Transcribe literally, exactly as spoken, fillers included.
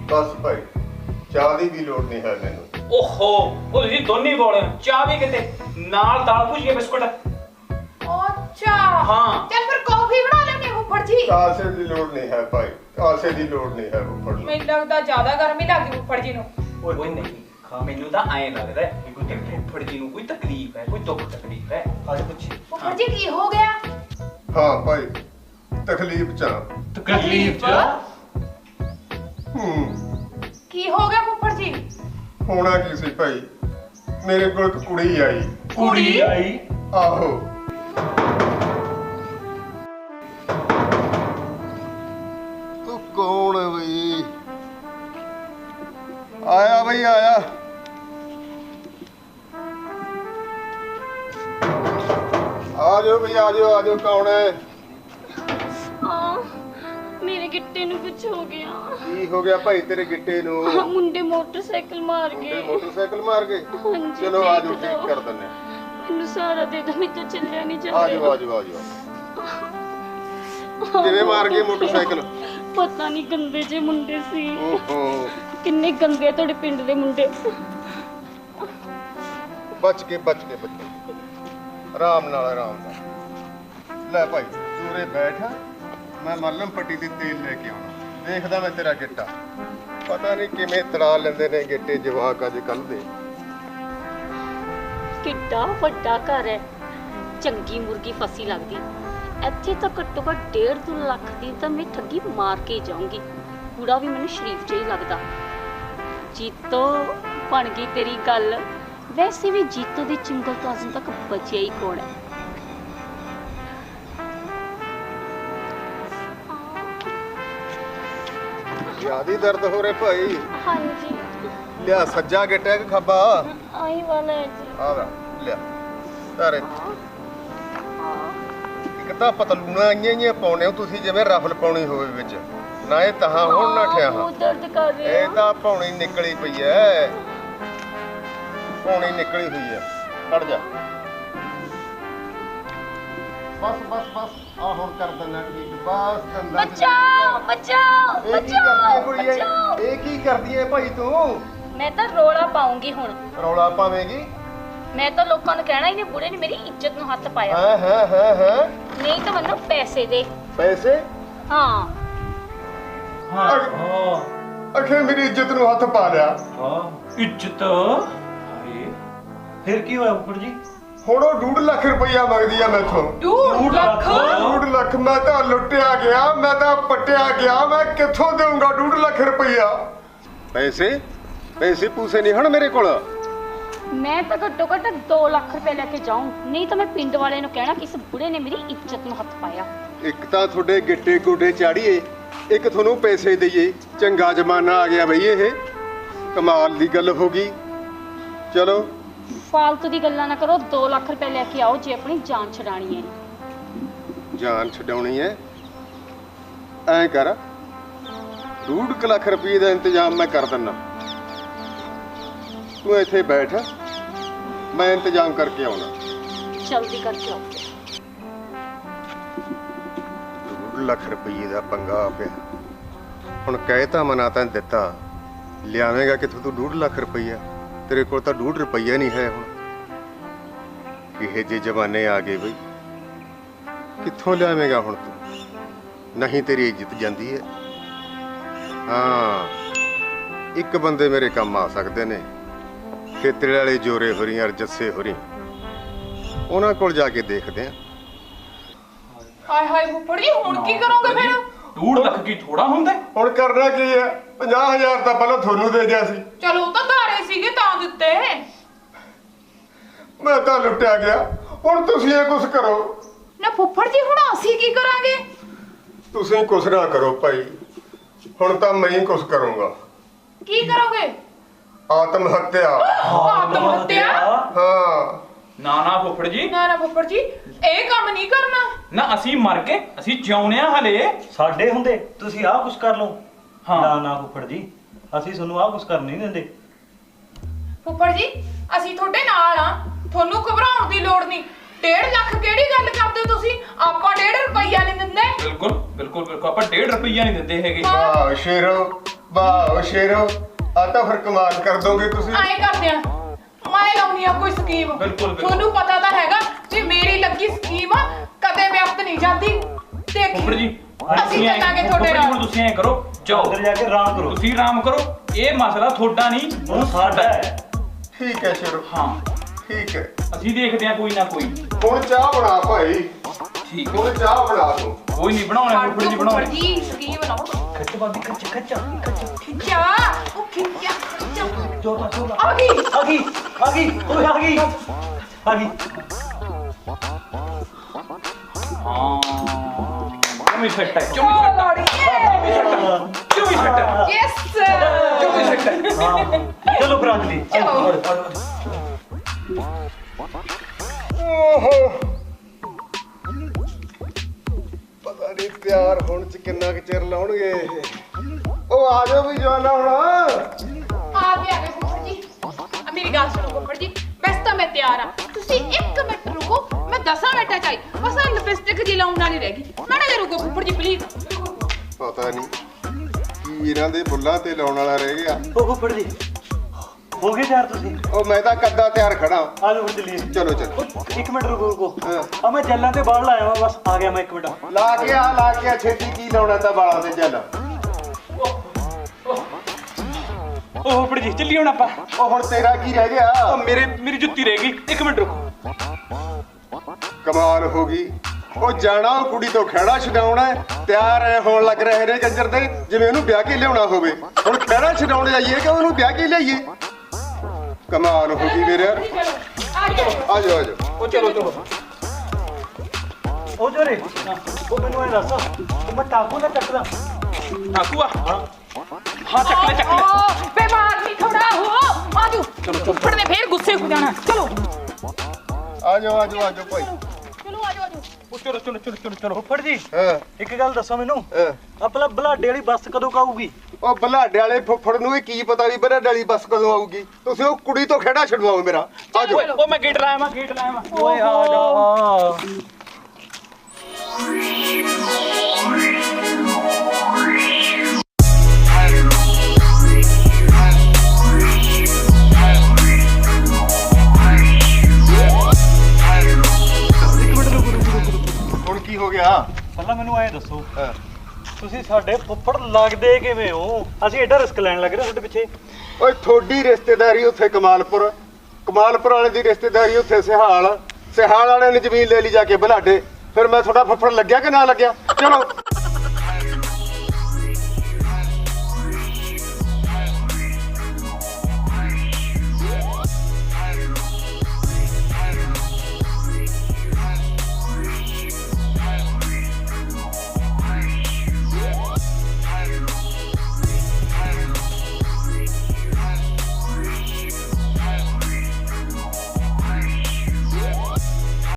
बस भाई चाह दी भी लोड़ नहीं है मैनू। ओहो ਉਹ ਤੁਸੀਂ ਦੋਨੇ ਬੋਲੇ ਚਾਹ ਵੀ ਕਿਤੇ ਨਾਲ ਦਾਲ ਭੁਜੀਆ ਬਿਸਕੁਟ। अच्छा हाँ। चल फिर कॉफी बना लेंगे फुफड़ जी। कासे दी लोड़ नहीं है भाई, कासे दी लोड़ नहीं है फुफड़ जी। ਮੈਨੂੰ ਲੱਗਦਾ ਜ਼ਿਆਦਾ ਗਰਮੀ ਲੱਗਦੀ ਫੁੱਫੜ ਜੀ ਨੂੰ। ਓਏ ਨਹੀਂ ਮੈਨੂੰ ਤਾਂ ਐਂ ਲੱਗਦਾ ਕਿ ਕੋਈ ਫੁੱਫੜ ਜੀ ਨੂੰ ਕੋਈ ਤਕਲੀਫ ਹੈ, ਕੋਈ ਦੁੱਖ ਤਕਲੀਫ ਹੈ। ਅੱਜ ਪੁੱਛੀ ਫੁੱਫੜ ਜੀ ਕੀ ਹੋ ਗਿਆ? हाँ भाई तकलीफ चा। ਤਕਲੀਫ ਚ हम्म ਕੀ ਹੋ ਗਿਆ ਫੁੱਫੜ ਜੀ? होना की सी भाई, मेरे को एक कुड़ी आई। ਕੁੜੀ ਆਈ। आहो तू कौन है भाई? आया भाई आया। आ जाओ भाई आ जाओ आ जाओ, कौन है? ਮੇਰੇ ਗਿੱਟੇ ਨੂੰ ਕੁਝ ਹੋ ਗਿਆ। की हो गया भाई तेरे गिट्टे नु? ਮੁੰਡੇ ਮੋਟਰਸਾਈਕਲ ਮਾਰ मुंडे ਗਏ। मोटरसाइकिल मार गए? ਹਾਂਜੀ, चलो आ जाओ ਦੇਖ ठीक ਲਓ। कर दने। ਮੈਨੂੰ ਸਾਰਾ ਦੇ ਦੋ, ਮੈਨੂੰ ਚੱਲਿਆ ਨਹੀਂ आ ਜਾਂਦਾ। जाओ आ जाओ आ जाओ। किवें मार गए मोटरसाइकिल? ਪਤਾ ਨਹੀਂ ਗੰਦੇ ਜੇ ਮੁੰਡੇ ਸੀ। ओहो ਕਿੰਨੇ ਗੰਦੇ ਆ ਤੁਹਾਡੇ ਪਿੰਡ ਦੇ ਮੁੰਡੇ। बच के बच के बच के आराम नाल आराम नाल ले भाई तूरे बैठ, मैं मलम पट्टी ते तेल लेके आउणा। देखदा मैं तेरा गिट्टा, पता नहीं किवें तड़ा लेंदे ने गिट्टे जवाक अज कल दे। ਕਿੱਡਾ ਵੱਡਾ ਘਰ ਹੈ, ਚੰਗੀ ਮੁਰਗੀ ਫਸੀ ਲੱਗਦੀ। ਇੱਥੇ ਤਾਂ ਘੱਟੋ ਘੱਟ ਡੇਢ ਦੋ ਲੱਖ ਦੀ ਤਾਂ ਮੈਂ ਠੱਗੀ ਮਾਰ ਕੇ ਜਾਊਂਗੀ। ਕੂੜਾ ਵੀ ਮੈਨੂੰ ਸ਼ਰੀਫ ਜਿਹਾ ਹੀ ਲੱਗਦਾ। ਜੀਤੋ ਬਣ ਗਈ ਤੇਰੀ ਗੱਲ। ਵੈਸੇ ਵੀ ਜੀਤੋ ਦੀ ਚਿੰਗਲ ਤੋਂ ਅਜੇ ਤੱਕ ਬਚਿਆ ਹੀ ਕੌਣ ਹੈ? ज्यादा दर्द हो रहे भाई? ਹਾਂਜੀ लिया सज्जा गिट्टा कि खब्बा? ਆਹੀ ਵਾਲਾ ਹੈ ਜੀ। आ वा लिया तारे ਇੱਕ ਤਾਂ ਪਤਲੂਣਾ ਆਈਆਂ ਆਈਆਂ ਪਾਉਣੇ ਹੋ ਤੁਸੀਂ, ਜਿਵੇਂ ਰਫਲ ਪਾਉਣੀ ਹੋਵੇ ਵਿੱਚ ਨਾ। ਇਹ ਤਹਾਂ ਹੁਣ ਨਾ ਠਿਆ ਹਾਂ, ਉਹ ਦਰਦ ਕਰ ਰਿਹਾ। ਇਹ ਤਾਂ ਪੌਣੀ ਨਿਕਲੀ ਪਈ ਐ, ਪੌਣੀ ਨਿਕਲੀ ਹੋਈ ਐ। ਖੜ ਜਾ ਬਸ ਬਸ ਬਸ ਆ ਹੁਣ ਕਰ ਦਿੰਦਾ ਠੀਕ। ਬਸ ਦੰਦਾ ਬਚਾਓ ਬਚਾਓ ਇਹ ਕੀ ਕਰਦੀ ਐ ਬਚਾਓ ਕੁੜੀਏ? ਬਚਾਓ। ਇਹ ਕੀ ਕਰਦੀ ਐ ਭਾਈ ਤੂੰ? ਮੈਂ ਤਾਂ ਰੋਲਾ ਪਾਉਂਗੀ ਹੁਣ। ਰੌਲਾ ਪਾਵੇਂਗੀ? ਮੈਂ ਤਾਂ ਲੋਕਾਂ ਨੂੰ ਕਹਿਣਾ ਇਹਨੇ ਬੁੜੇ ਨੇ ਮੇਰੀ ਇੱਜ਼ਤ ਨੂੰ ਹੱਥ ਪਾਇਆ। ਹਾਂ ਹਾਂ ਹਾਂ ਹਾਂ ਨਹੀਂ ਤਾਂ ਮੈਨੂੰ ਪੈਸੇ ਦੇ। ਪੈਸੇ? ਹਾਂ ਹਾਂ ਅਖੇ ਮੇਰੀ ਇੱਜ਼ਤ ਨੂੰ ਹੱਥ ਪਾ ਲਿਆ। ਹਾਂ ਇੱਜ਼ਤ। ਹਾਏ ਫਿਰ ਕੀ ਹੋਇਆ ਫੁੱਫੜ ਜੀ? ਹੁਣ ਉਹ ਡੂਢ ਲੱਖ ਰੁਪਈਆ ਮੰਗਦੀ ਆ ਮੈਥੋਂ। ਡੂਢ ਲੱਖ? ਡੂਢ ਲੱਖ? ਮੈਂ ਤਾਂ ਲੁੱਟਿਆ ਗਿਆ, ਮੈਂ ਤਾਂ ਪੱਟਿਆ ਗਿਆ, ਮੈਂ ਕਿੱਥੋਂ ਦੇਵਾਂਗਾ ਡੂਢ ਲੱਖ ਰੁਪਈਆ? ਪੈਸੇ ਪੈਸੇ ਪੂਸੇ ਨਹੀਂ ਹਨ ਮੇਰੇ ਕੋਲ। ਮੈਂ ਤਾਂ ਘੱਟੋ ਘੱਟ ਦੋ ਲੱਖ ਰੁਪਏ ਲੈ ਕੇ ਜਾਊਂ, ਨਹੀਂ ਤਾਂ ਮੈਂ ਪਿੰਡ ਵਾਲਿਆਂ ਨੂੰ ਕਹਿਣਾ ਕਿ ਇਸ ਬੁੜੇ ਨੇ ਮੇਰੀ ਇੱਜ਼ਤ ਨੂੰ ਹੱਥ ਪਾਇਆ। ਇੱਕ ਤਾਂ ਤੁਹਾਡੇ ਗਿੱਟੇ ਗੋਡੇ ਚਾੜੀਏ, ਇੱਕ ਤੁਹਾਨੂੰ ਪੈਸੇ ਦਈਏ। ਚੰਗਾ ਜ਼ਮਾਨਾ ਆ ਗਿਆ ਬਈ, ਇਹ ਕਮਾਲ ਦੀ ਗੱਲ ਹੋ ਗਈ। ਚਲੋ ਫਾਲਤੂ ਦੀ ਗੱਲਾਂ ਨਾ ਕਰੋ। ਦੋ ਲੱਖ ਰੁਪਏ ਲੈ ਕੇ ਆਓ ਜੇ ਆਪਣੀ ਜਾਨ ਛਡਾਣੀ ਹੈ। ਜਾਨ ਛਡਾਉਣੀ ਹੈ? ਐਂ ਕਰ, ਡੂਢ ਕੁ ਲੱਖ ਰੁਪਏ ਦਾ ਇੰਤਜ਼ਾਮ ਮੈਂ ਕਰ ਦਿੰਦਾ। ਤੂੰ ਇੱਥੇ ਬੈਠ, ਮੈਂ ਇੰਤਜ਼ਾਮ ਕਰਕੇ ਆਉਣਾ। ਜਲਦੀ ਕਰਕੇ ਆਓ। ਡੂਢ ਲੱਖ ਰੁਪਏ ਦਾ ਪੰਗਾ ਪਿਆ। ਹੁਣ ਕਹਿ ਤਾਂ ਮਨਾ ਤਾਂ ਦਿੱਤਾ, ਲਿਆਵੇਂਗਾ ਕਿੱਥੋਂ ਤੂੰ ਡੂਢ ਲੱਖ ਰੁਪਈਆ? ਤੇਰੇ ਕੋਲ ਤਾਂ ਡੂਢ ਰੁਪਈਆ ਨਹੀਂ ਹੈ। ਹੁਣ ਕਿਹੇ ਜਿਹੇ ਜ਼ਮਾਨੇ ਆ ਗਏ ਬਈ, ਕਿੱਥੋਂ ਲਿਆਵੇਂਗਾ ਹੁਣ ਤੂੰ? ਨਹੀਂ ਤੇਰੀ ਇੱਜ਼ਤ ਜਾਂਦੀ ਹੈ। ਹਾਂ ਇੱਕ ਬੰਦੇ ਮੇਰੇ ਕੰਮ ਆ ਸਕਦੇ ਨੇ, ਖੇਤਰੇ ਵਾਲੇ ਜੋਰੇ ਹੋਰੀ ਔਰ ਜੱਸੇ ਹੋਰੀ। ਉਹਨਾਂ ਕੋਲ ਜਾ ਕੇ ਦੇਖਦੇ ਆ। ਹਾਏ ਹਾਏ ਫੁੱਫੜ ਜੀ ਹੁਣ ਕੀ ਕਰੋਗੇ ਫਿਰ? ਡੂਢ ਲੱਖ ਕੀ ਥੋੜਾ ਹੁੰਦਾ? ਹੁਣ ਕਰਨਾ ਕੀ ਹੈ? ਪੰਜਾਹ ਹਜ਼ਾਰ ਤਾਂ ਪਹਿਲਾਂ ਤੁਹਾਨੂੰ ਦੇ ਦਿਆ ਸੀ। ਚਲੋ ਉਹ ਤਾਂ ਧਾਰੇ ਸੀਗੇ ਤਾਂ ਦਿੱਤੇ। ਮੈਂ ਤਾਂ ਲੁੱਟਿਆ ਗਿਆ, ਹੁਣ ਤੁਸੀਂ ਇਹ ਕੁਛ ਕਰੋ। ਨਾ ਫੁੱਫੜ ਜੀ ਹੁਣ ਅਸੀਂ ਕੀ ਕਰਾਂਗੇ? ਤੁਸੀਂ ਕੁਛ ਨਾ ਕਰੋ ਭਾਈ, ਹੁਣ ਤਾਂ ਮੈਂ ਹੀ ਕੁਛ ਕਰੂੰਗਾ। ਕੀ ਕਰੋਗੇ? ਆਤਮ ਹੱਤਿਆ। ਆਤਮ ਹੱਤਿਆ? ਹਾਂ ਨਾ ਨਾ ਫੁੱਫੜ ਜੀ, ਨਾ ਨਾ ਫੁੱਫੜ ਜੀ ਇਹ ਕੰਮ ਨਹੀਂ ਕਰਨਾ। ਨਾ ਅਸੀਂ ਮਰ ਕੇ ਅਸੀਂ ਜਿਉਣੇ ਆ ਹਲੇ। ਸਾਡੇ ਹੁੰਦੇ ਤੁਸੀਂ ਆਹ ਕੁਛ ਕਰ ਲਓ। ਹਾਂ। ਨਾ ਨਾ ਫੁੱਫੜ ਜੀ, ਅਸੀਂ ਤੁਹਾਨੂੰ ਆਹ ਕੁਛ ਕਰਨ ਨਹੀਂ ਦਿੰਦੇ। ਫੁੱਫੜ ਜੀ ਅਸੀਂ ਤੁਹਾਡੇ ਨਾਲ ਆ, ਤੁਹਾਨੂੰ ਘਬਰਾਉਣ ਦੀ ਲੋੜ ਨਹੀਂ। ਡੇਢ ਲੱਖ ਕਿਹੜੀ ਗੱਲ ਕਰਦੇ ਹੋ ਤੁਸੀਂ? ਆਪਾਂ ਡੇਢ ਰੁਪਈਆ ਨਹੀਂ ਦਿੰਦੇ। ਬਿਲਕੁਲ ਬਿਲਕੁਲ ਬਿਲਕੁਲ ਆਪਾਂ ਡੇਢ ਰੁਪਈਆ ਨਹੀਂ ਦਿੰਦੇ ਹੈਗੇ। ਵਾਹ ਸ਼ੇਰੋ, ਵਾਹ ਸ਼ੇਰੋ, ਆ ਤਾਂ ਫਿਰ ਕਮਾਲ ਕਰ ਦੋਗੇ ਤੁਸੀਂ। ਐਂ ਕਰਦੇ ਆ, ਮੈਂ ਲਾਉਣੀ ਆ ਕੋਈ ਸਕੀਮ। ਬਿਲਕੁਲ, ਬਿਲਕੁਲ। ਤੁਹਾਨੂੰ ਪਤਾ ਤਾਂ ਹੈਗਾ ਵੀ ਮੇਰੀ ਲੱਗੀ ਸਕੀਮ ਕਦੇ ਵਿਅਕਤ ਨਹੀਂ ਜਾਂਦੀ। ਫੁੱਫੜ ਜੀ ਦੇਖੀ ਅਸੀਂ ਐਂ- ਚੱਲਾਂਗੇ ਫੁੱਫੜ ਤੁਹਾਡੇ ਜੀ, ਹੁਣ ਨਾਲ। ਤੁਸੀਂ ਐਂ ਕਰੋ, ਜਾਓ ਅੰਦਰ ਜਾ ਕੇ ਆਰਾਮ ਕਰੋ। ਤੁਸੀਂ ਆਰਾਮ ਕਰੋ, ਇਹ ਮਸਲਾ ਤੁਹਾਡਾ ਨਹੀਂ ਹੁਣ ਸਾਡਾ ਹੈ। ਠੀਕ ਹੈ ਸ਼ੇਰੋ, ਹਾਂ ਠੀਕ ਹੈ। ਅਸੀਂ ਦੇਖਦੇ ਹਾਂ ਕੋਈ ਨਾ ਕੋਈ। ਹੁਣ ਚਾਹ ਬਣਾ ਭਾਈ, ਠੀਕ ਹੈ, ਹੁਣ ਚਾਹ ਬਣਾ ਤੂੰ। ਕੋਈ ਨਹੀਂ ਬਣਾਉਣੇ ਫੁੱਫੜ ਜੀ, ਫੁੱਫੜ ਬਣਾਉਣੇ। ਜੀ ਸਕੀਮ ਬਣਾਓ। ਖੱਚ ਬਾਦੀ ਖੱਚ ਖੱਚ ਖੱਚ ਖਿੱਚਾ ਉਹ ਖਿੱਚਾ ਖਿੱਚਾ। ਜੋਤਾ ਜੋਤਾ ਆ ਗਈ ਆ ਗਈ ਆ ਗਈ ਓਏ ਆ ਗਈ ਆ ਗਈ। ਹਾਂ ਚੁੰਮੀ ਸੱਟ ਹੈ, ਚੁੰਮੀ ਸੱਟ ਹੈ, ਚੁੰਮੀ ਸੱਟ ਹੈ, ਯੈਸ ਚੁੰਮੀ ਸੱਟ ਹੈ। ਹਾਂ ਚਲੋ ਫਿਰ ਅੰਜਲੀ। ਓਹੋ, ਪਤਾ ਨਹੀਂ ਤਿਆਰ ਹੋਣ ਚ ਕਿੰਨਾ ਕੁ ਚਿਰ ਲਾਉਣਗੇ ਇਹ। ਉਹ ਆ ਜਾਓ ਵੀ ਜਵਾਨਾ ਹੁਣ। ਆ ਗਏ ਆ ਗਏ ਫੁੱਫੜ ਜੀ। ਆ ਮੇਰੀ ਗੱਲ ਸੁਣੋ ਫੁੱਫੜ ਜੀ, ਵੈਸੇ ਤਾਂ ਮੈਂ ਤਿਆਰ ਆ। ਤੁਸੀਂ ਇੱਕ ਮਿੰਟ ਰੁਕੋ, ਮੈਂ ਦਸਾਂ ਮਿੰਟਾਂ ਚ ਆਈ। ਬਸ ਆ ਲਿਪਸਟਿਕ ਜੀ ਲਾਉਣ ਵਾਲੀ ਰਹਿ ਗਈ। ਮਾੜਾ ਜਿਹਾ ਰੁਕੋ ਫੁੱਫੜ ਜੀ ਪਲੀਜ਼। ਪਤਾ ਨਹੀਂ ਕੀ ਇਹਨਾਂ ਦੇ ਬੁੱਲਾਂ ਤੇ ਲਾਉਣ ਵਾਲਾ ਰਹਿ ਗਿਆ। ਉਹ ਫੁੱਫੜ ਜੀ ਹੋ ਗਏ ਤਿਆਰ ਤੁਸੀਂ? ਉਹ ਮੈਂ ਤਾਂ ਕੱਦਾ ਤਿਆਰ ਖੜਾ। ਆ ਜਾਓ ਫਿਰ ਚੱਲੀਏ। ਚਲੋ ਚਲੋ, ਇੱਕ ਮਿੰਟ ਰੁਕੋ ਰੁਕੋ। ਹਾਂ। ਆ ਮੈਂ ਜੱਲਾਂ ਤੇ ਬਾਹਰ ਲਾਇਆ ਵਾ, ਬਸ ਆ ਗਿਆ ਮੈਂ ਇੱਕ ਮਿੰਟ। ਲਾ ਕੇ ਆ ਲਾ ਕੇ ਆ ਛੇਤੀ, ਕੀ ਲਾਉਣਾ ਤਾਂ ਵਾਲਾਂ ਤੇ ਚੱਲ। ਉਹ ਫੁੱਫੜ ਜੀ ਚੱਲੀ ਹੁਣ ਆਪਾਂ। ਉਹ ਹੁਣ ਤੇਰਾ ਕੀ ਰਹਿ ਉਹ ਗਿਆ? ਮੇਰੇ ਮੇਰੀ ਜੁੱਤੀ ਰਹਿ ਗਈ, ਇੱਕ ਮਿੰਟ ਰੁਕੋ। ਕਮਾਲ ਹੋ ਗਈ। ਉਹ ਜਾਣਾ ਉਹ ਕੁੜੀ ਤੋਂ ਖਹਿੜਾ ਛਡਾਉਣਾ ਹੈ, ਤਿਆਰ ਐ ਹੋਣ ਲੱਗ ਰਹੇ ਨੇ ਕੰਜਰ ਦੇ ਜਿਵੇਂ ਉਹਨੂੰ ਵਿਆਹ ਕੇ ਲਿਆਉਣਾ ਹੋਵੇ। ਹੁਣ ਖਹਿੜਾ ਛਡਾਉਣ ਜਾਈਏ ਕਿ ਉਹਨੂੰ ਵਿਆਹ ਕੇ ਲਿਆਈਏ? ਕਮਾਲ ਹੋ ਗਈ ਮੇਰੇ। ਚਲੋ ਆ ਜਾਓ। ਆ ਜਾਓ ਆ ਜਾਓ। ਉਹ ਚਲੋ ਚਲੋ। ਉਹ ਜੋਰੇ ਉਹ ਮੈਨੂੰ ਐ ਦੱਸ, ਉਹ ਮੈਂ ਟਾਕੂ ਨਾ ਚੱਕਦਾ? ਆਕੂਆ ਹਾਂ ਹਾਂ ਚੱਕ ਲੈ ਚੱਕ ਲੈ। ਓ ਬੇਮਾਰ ਨਹੀਂ ਖੜਾ ਹੋ। ਆ ਜਾਓ। ਚਲੋ ਚਲੋ ਫੁੱਫੜ ਨੇ ਫੇਰ ਗੁੱਸੇ ਹੋ ਜਾਣਾ। ਚਲੋ ਆ ਜਾਓ ਆ ਜਾਓ ਆ ਜਾਓ ਭਾਈ। ਚਲੋ ਆ ਜਾਓ ਆ ਜਾਓ। ਉਹ ਚਲੋ ਚਲੋ ਚਲੋ ਚਲੋ ਚਲੋ। ਫੁੱਫੜ ਜੀ ਹਾਂ ਇੱਕ ਗੱਲ ਦੱਸੋ ਮੈਨੂੰ, ਹਾਂ। ਆਪਣਾ ਬਲਾਡੇ ਵਾਲੀ ਬੱਸ ਕਦੋਂ ਕਾਊਗੀ? ਉਹ ਬਲਾਡੇ ਵਾਲੇ ਫੁੱਫੜ ਨੂੰ ਇਹ ਕੀ ਪਤਾ ਵੀ ਬਲਾਡੇ ਵਾਲੀ ਬੱਸ ਕਦੋਂ ਆਊਗੀ? ਤੁਸੀਂ ਉਹ ਕੁੜੀ ਤੋਂ ਖਹਿੜਾ ਛਡਵਾਓ ਮੇਰਾ। ਆ ਜਾਓ। ਓਏ ਉਹ ਮੈਂ ਗੇਟ ਲਾਇਆ ਮੈਂ ਗੇਟ ਲਾਇਆ ਮੈਂ। ਓਏ ਆ ਜਾ। ਹੁਣ ਕੀ ਹੋ ਗਿਆ? ਪਹਿਲਾਂ ਮੈਨੂੰ ਐ ਦੱਸੋ, ਹਾਂ। ਤੁਸੀਂ ਸਾਡੇ ਫੁੱਫੜ ਲੱਗਦੇ ਕਿਵੇਂ ਹੋ? ਅਸੀਂ ਐਡਾ ਰਿਸਕ ਲੈਣ ਲੱਗ ਰਹੇ ਤੁਹਾਡੇ ਪਿੱਛੇ। ਓਏ ਥੋੜੀ ਰਿਸ਼ਤੇਦਾਰੀ ਉੱਥੇ ਕਮਾਲਪੁਰ, ਕਮਾਲਪੁਰ ਵਾਲੇ ਦੀ ਰਿਸ਼ਤੇਦਾਰੀ ਉੱਥੇ ਸਿਹਾਲ, ਸਿਹਾਲ ਵਾਲਿਆਂ ਨੇ ਜ਼ਮੀਨ ਲੈ ਲਈ ਜਾ ਕੇ ਬਲਾਡੇ। ਫਿਰ ਮੈਂ ਤੁਹਾਡਾ ਫੁੱਫੜ ਲੱਗਿਆ ਕਿ ਨਾ ਲੱਗਿਆ? ਚਲੋ